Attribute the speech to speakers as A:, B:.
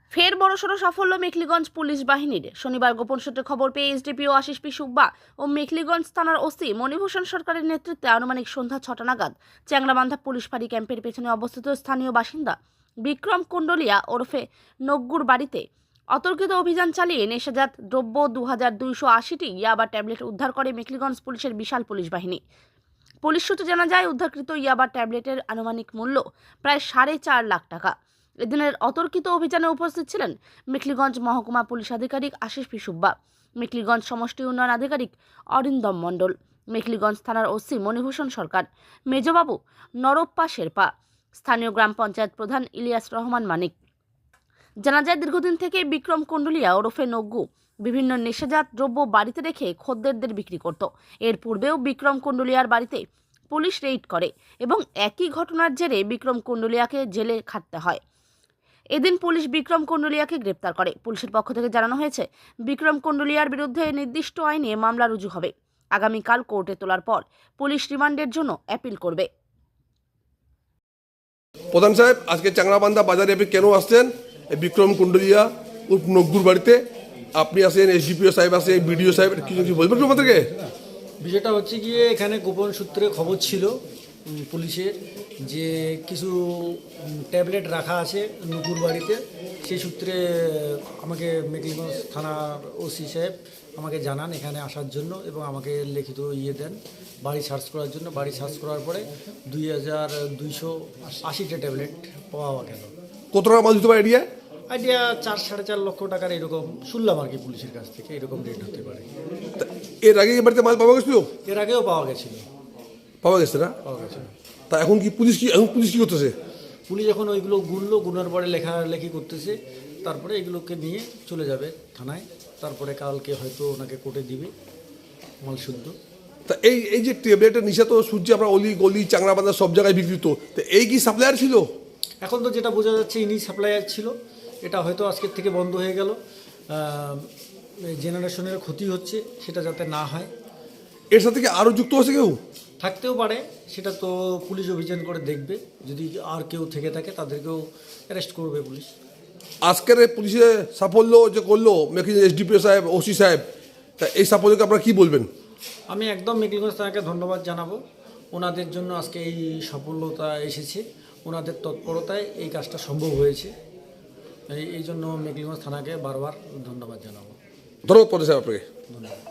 A: ফের বড়সড় সাফল্য মেখলিগঞ্জ পুলিশ বাহিনীর। শনিবার গোপন সূত্রে খবর পেয়ে এসডিপিও আশিস পি সুব্বা ও মেখলিগঞ্জ থানার ওসি মণিভূষণ সরকারের নেতৃত্বে আনুমানিক সন্ধ্যা 6টা নাগাদ চ্যাংরাবান্ধা পুলিশ ফাঁড়ি ক্যাম্পের পেছনে অবস্থিত স্থানীয় বাসিন্দা বিক্রম কুণ্ডলিয়া ওরফে নগ্গুর বাড়িতে অতর্কিত অভিযান চালিয়ে নেশাজাত দ্রব্য 2280টি ইয়াবা ট্যাবলেট উদ্ধার করে মেখলিগঞ্জ পুলিশের বিশাল পুলিশ বাহিনী। পুলিশ সূত্রে জানা যায়, উদ্ধারকৃত ইয়াবা ট্যাবলেটের আনুমানিক মূল্য প্রায় 4.5 লাখ টাকা। এদিনের অতর্কিত অভিযানে উপস্থিত ছিলেন মেখলিগঞ্জ মহকুমা পুলিশ আধিকারিক আশিস পি সুব্বা, মেখলিগঞ্জ সমষ্টি উন্নয়ন আধিকারিক অরিন্দম মণ্ডল, মেখলিগঞ্জ থানার ওসি মণিভূষণ সরকার, মেজবাবু নরপ্পা শেরপা, স্থানীয় গ্রাম পঞ্চায়েত প্রধান ইলিয়াস রহমান মানিক। জানা যায়, দীর্ঘদিন থেকে বিক্রম কুণ্ডলিয়া ওরফে নগ্গু বিভিন্ন নেশাজাত দ্রব্য বাড়িতে রেখে খদ্দেরদের বিক্রি করত। এর পূর্বেও বিক্রম কুণ্ডলিয়ার বাড়িতে পুলিশ রেইড করে এবং একই ঘটনার জেরে বিক্রম কুণ্ডলিয়াকে জেলে খাটতে হয়। এদিন পুলিশ বিক্রম কুণ্ডলিয়াকে গ্রেপ্তার করে। পুলিশের পক্ষ থেকে জানানো হয়েছে, বিক্রম কুণ্ডলিয়ার বিরুদ্ধে নির্দিষ্ট আইনে মামলা রুজু হবে। আগামীকাল কোর্টে তোলার পর পুলিশ রিমান্ডের জন্য অ্যাপিল করবে।
B: প্রধান সাহেব, আজকে চ্যাংরাবান্ধা বাজারে আপনি কেন আসছেন? বিক্রম কুণ্ডলিয়া উর্ফ নগ্গুর বাড়িতে আপনি আসেন, এসডিপিও সাহেব আসে, বিডিও সাহেব, কিছু বলবেন আমাদেরকে?
C: বিষয়টা হচ্ছে গিয়ে এখানে গোপন সূত্রে খবর ছিল পুলিশের যে কিছু ট্যাবলেট রাখা আছে নুপুর বাড়িতে। সেই সূত্রে আমাকে মেখলিগঞ্জ থানার ওসি সাহেব আমাকে জানান এখানে আসার জন্য এবং আমাকে লিখিত দেন বাড়ি সার্চ করার জন্য। বাড়ি সার্চ করার পরে 2280টা ট্যাবলেট পাওয়া গেল।
B: কত টাকা মাল দিতে পারে এরিয়া?
C: আইডিয়া 4-4.5 লক্ষ টাকার এরকম শুনলাম আর কি পুলিশের কাছ থেকে, এরকম রেট হতে পারে।
B: এর আগে এই বাড়িতে মাল পাওয়া গেছিল?
C: এর আগেও পাওয়া গেছিল।
B: পাওয়া গেছে না?
C: পাওয়া গেছিল।
B: তা এখন পুলিশ কি করতেছে?
C: পুলিশ এখন ওইগুলো গুনার পরে লেখালেখি করতেছে, তারপরে এগুলোকে নিয়ে চলে যাবে থানায়, তারপরে কালকে হয়তো ওনাকে কোর্টে দিবে মাল শুদ্ধ।
B: তা এই যে ট্যাবলেটের নিশা তো সূর্য আমরা অলি গলি চ্যাংরাবান্ধা সব জায়গায় বিক্রিত, তো এই কি সাপ্লায়ার ছিল?
C: এখন তো যেটা বোঝা যাচ্ছে ইনি সাপ্লায়ার ছিল। এটা হয়তো আজকের থেকে বন্ধ হয়ে গেল। জেনারেশনের ক্ষতি হচ্ছে, সেটা যাতে না হয়।
B: এর সাথে কি আরও যুক্ত আছে কেউ?
C: থাকতেও পারে, সেটা তো পুলিশ অভিযান করে দেখবে। যদি আর কেউ থেকে থাকে তাদেরকেও অ্যারেস্ট করবে পুলিশ।
B: আজকের পুলিশের সাফল্য যে করলো মেখলিগঞ্জ এসডিপিও সাহেব, ওসি সাহেব, তা এই সাফল্যকে আপনারা কি বলবেন?
C: আমি একদম মেখলিগঞ্জ থানাকে ধন্যবাদ জানাবো। ওনাদের জন্য আজকে এই সফলতা এসেছে, ওনাদের তৎপরতায় এই কাজটা সম্ভব হয়েছে। এই জন্য মেখলিগঞ্জ থানাকে বারবার ধন্যবাদ জানাবো।
B: ধন্যবাদ প্রধান সাহেব আপনাকে।
C: ধন্যবাদ।